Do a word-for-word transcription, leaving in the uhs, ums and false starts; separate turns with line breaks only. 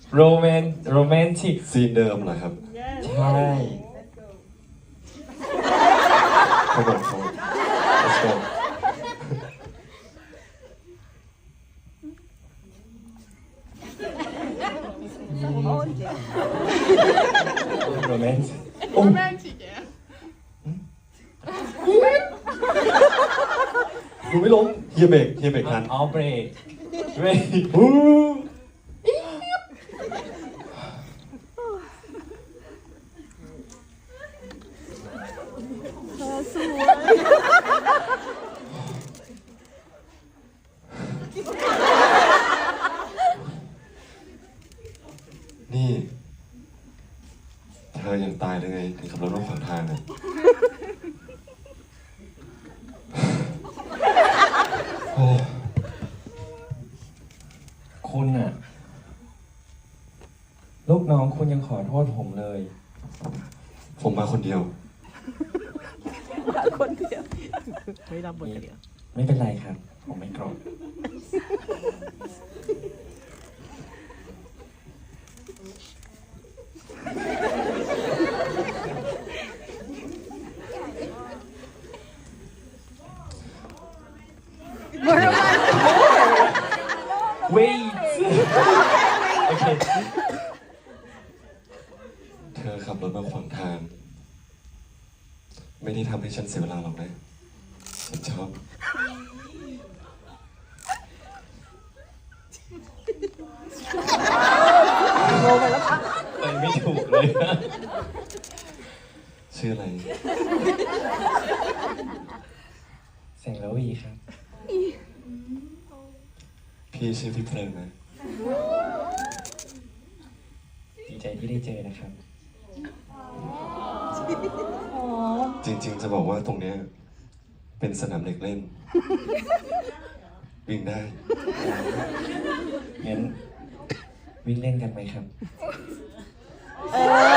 โรแมนโรแมนติก
ซีนเดิมเหรอครับ
ใช่
ครับผมครับ let's go
โรแมนติก
Romantic, yeah.
ดูไม่ล้มเฮียเบรกเฮียเบรกทัน
อ๋อเบรกเบรก
ฮู้นี่เธอยังตายได้ไงถึงขับรถมาขวางทางอ่ะโอ้
คุณอะลูกน้องคุณยังขอโทษผมเลย
ผมมาคนเดียว
คนเดียวไม่รับบทเดียว
ไม่เป็นไรครับ ผมไม่โกรธ Wait โอเค
เธอขับรถมาขวางทาง ไม่ได้ทำให้ฉันเสียเวลาหรอกนะฉันชอบ
ไปไม่ถูกเลย
ชื่ออะไร
แสงระวีครับ
พี่ชื่อพี่เพลิงนะ
ดีใจที่ได้เจอนะครับ
จริงๆจะบอกว่าตรงเนี้ยเป็นสนามเด็กเล่น วิ่งได้
งั้นวิ่งเล่นกันไหมครับ
เออ